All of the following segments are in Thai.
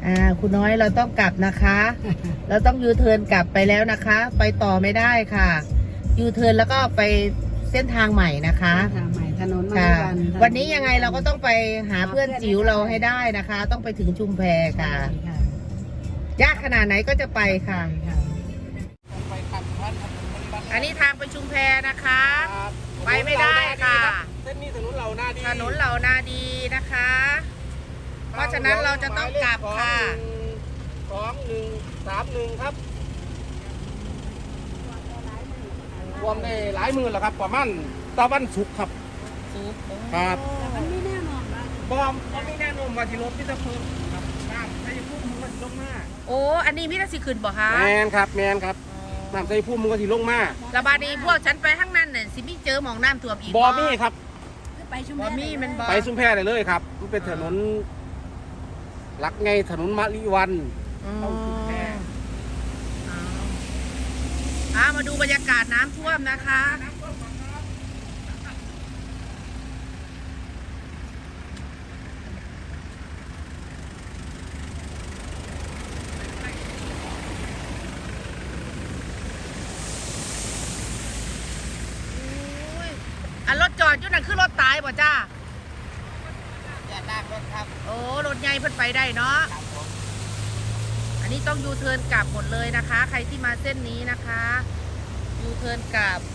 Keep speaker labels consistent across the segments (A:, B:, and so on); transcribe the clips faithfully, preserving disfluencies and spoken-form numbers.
A: อ่าคุณน้อยเราต้องกลับนะคะ เราต้องยูเทิร์นกลับไปแล้วนะคะ ไปต่อไม่ได้ค่ะยูเทิร์นแล้วก็ไปเส้นทางใหม่นะคะ
B: ทางใหม่ถนนม
A: ค่ะ
B: วัน
A: วันนี้ยังไงเราก็ต้องไปหาเพื่อนจิ๋วเราให้ได้นะคะ ต้องไปถึงชุมแพค่ะยากขนาดไหนก็จะไปค่ะอันนี้ทางไปชุมแพนะคะไปไม่ได้ค่ะ
C: เส้นนี้ถนนเหล่านาดี
A: ถนนเหล่านาดีนะคะ เพราะฉะนั้นเราจะต้องกลับค่ะ
C: สองหนึ่งสามหนึ่งครับรวมได้หลายหมื่นแล้วครับประมาณตะวันสุกครับครับ
B: มันไม่แน่นอนว่า
C: บอมก็ไม่แน่นอนว่าที่รถที่จะเพิ่มครับน้ำใส่พุ่มมันก็สิลงมา
A: โอ้อันนี้มิตรสิขึ้นบ่คะ
C: แมนครับแมนครับน้ำใส่พุ่มมันก็สิลงมา
A: ระบาดนี้พวกฉันไปข้างนั้นเนี่ยสิมีเจอหมองน้ำท่วมอีก
C: บอมี่ครับ
B: ไปชุมแพ
A: บอมี่มันบอ
C: ไปชุมแพได้เลยครับมันเป็นถนนหลักไงถนนมะลิวันเข้าชุมแพ
A: อ่ามาดูบรรยากาศน้ำท่วมนะคะอันรถจอดอยู่นั่นคือรถตายบ่จ้า
C: อย่าลากรถครับ
A: โอ้รถใหญ่เพิ่นไปได้เนาะอันนี้ต้องยูเทิร์นกลับหมดเลยนะคะ ใครที่มาเส้นนี้นะคะยูเทิร์นกลับ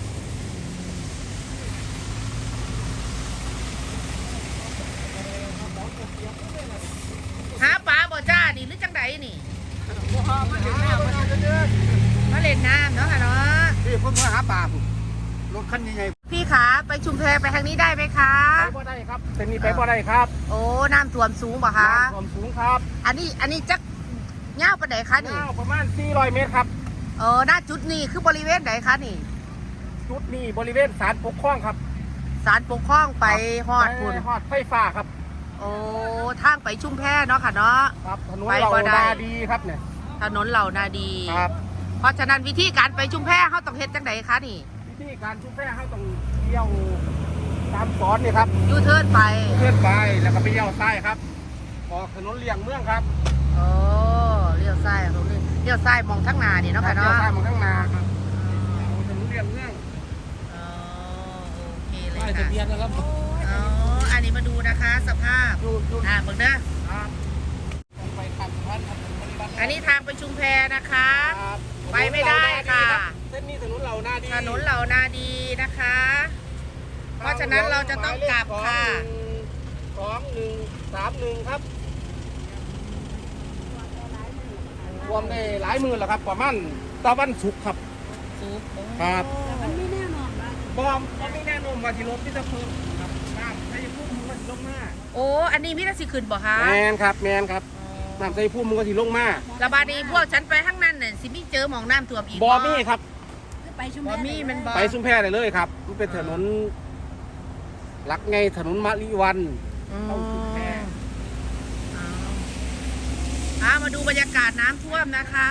A: หาปลาบ่จ้านี่หรือจังไดนี่
C: มาเล่นน้ำมาเดิน
A: มาเล่นน้ำเนาะค่ะเนาะ
C: พี่ผมมาหาปลาผมรถคันใหญ่
A: ๆพี่ขาไปชุมแพไปทางนี้ได้ไหมคะ
C: ไปบ่ได้ครับเส้นนี้ไปบ่ได้ครับ
A: โอ้น้ำท่วมสูงป่ะคะ
C: น้ำท่วมสูงครับ
A: อันนี้อันนี้จักเงาปะไหนคะนี่
C: เงาประมาณสี่ร้อยเมตรครับ
A: เออหน้าจุดนี้คือบริเวณไหนคะนี่
C: จุดนี้บริเวณศาลปกครองครับ
A: ศาลปกครองไปฮอดคุณ
C: ฮอดไฟฟ้าครับ
A: โอ้ทางไปชุมแพเนาะค่ะเนาะ
C: ครับถนนเหล่านาดีครับเนี่ย
A: ถนนเหล่านาดี
C: ครับ
A: เพราะฉะนั้นวิธีการไปชุมแพเขาต้องเฮ็ดจังไดคะนี่
C: วิธีการชุมแพเขาต้องเลี้ยวตามสอนนี่ครับ
A: ยูเทิร์นไป
C: เทิร์นไปแล้วก็ไปเลี้ยวซ้ายครับออกถนนเลี่ยงเมืองครับ
A: โอ้เลี้ยวซ้ายตรงนี้เลี้ยวซ้ายมองทั้งนานี่เนาะค่ะเนาะ
C: เลี้ยวซ้ายมองทั้งนาครับถนนเลี่ยงเมือง
A: อ๋อโอเคเลยค่ะ
C: ทะเบียนนะครับ
A: อ๋ออันนี้มาดูนะคะสภาพอ่าเบิ่งเด้ออันนี้ทางไปชุมแพนะคะไปไม่ได้ค่ะ
C: เส้นนี้ถนนเหล่านาดี
A: ถนนเหล่านาดีนะคะ เพราะฉะนั้นเราจะต้องกลับค่ะ
C: สองหนึ่งสามหนึ่งครับรวมได้หลายหมื่นแล้วครับประมาณตะวันสุกครับครับ
B: มันไม่แน่นอนว่า
C: บอมก็ไม่แน่นอนว่าที่รถที่จะเพิ่มครับน้ำใส่พุ่มมันก็สิลงมา
A: โอ้อันนี้มิตรสิขึ้นบ่คะ
C: แมนครับแมนครับน้ำใส่พุ่มมันก็สิลงมา
A: ระบาดนี้พวกฉันไปข้างนั้นเนี่ยสิมีเจอหมองน้ำท่วมอีก
C: บอมี่ครับ
B: ไปชุมแพ
A: บอมี่มันบอ
C: ไปชุมแพได้เลยครับมันเป็นถนนหลักไงถนนมะลิวันเข้าชุมแพ
A: อ่ามาดูบรรยากาศน้ำท่วมนะคะ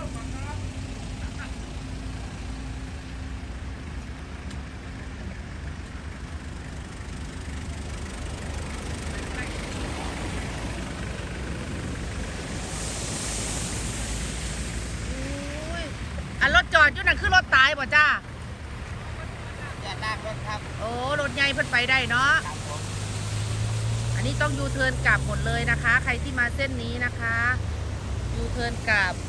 A: อันรถจอดอยู่นั่นคือรถตายบ่จ้า
C: อย่าลากรถครับ
A: โอ้รถใหญ่เพิ่นไปได้เนาะอันนี้ต้องยูเทิร์นกลับหมดเลยนะคะ ใครที่มาเส้นนี้นะคะยูเทิร์นกลับ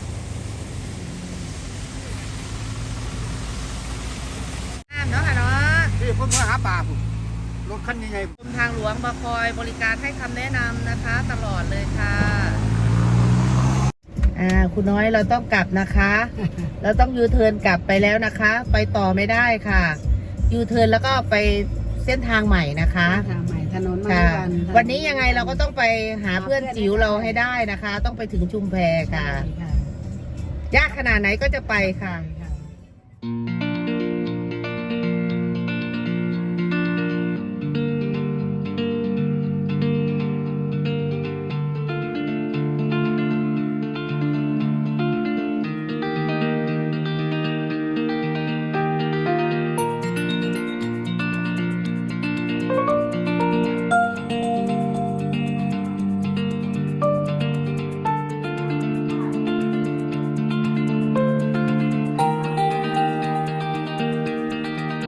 A: น้ำเนาะค่ะเนาะ
C: พี่ผมมาหาปลาผมรถคันใหญ่
A: ๆกรมทางหลวงมาคอยบริการให้คำแนะนำนะคะตลอดเลยค่ะอ่าคุณน้อยเราต้องกลับนะคะ เราต้องยูเทิร์นกลับไปแล้วนะคะ ไปต่อไม่ได้ค่ะยูเทิร์นแล้วก็ไปเส้นทางใหม่นะคะ
B: ทางใหม่ถนนม
A: าวันวันนี้ยังไงเราก็ต้องไปหาเพื่อนจิ๋วเราให้ได้นะคะ ต้องไปถึงชุมแพค่ะยากขนาดไหนก็จะไปค่ะ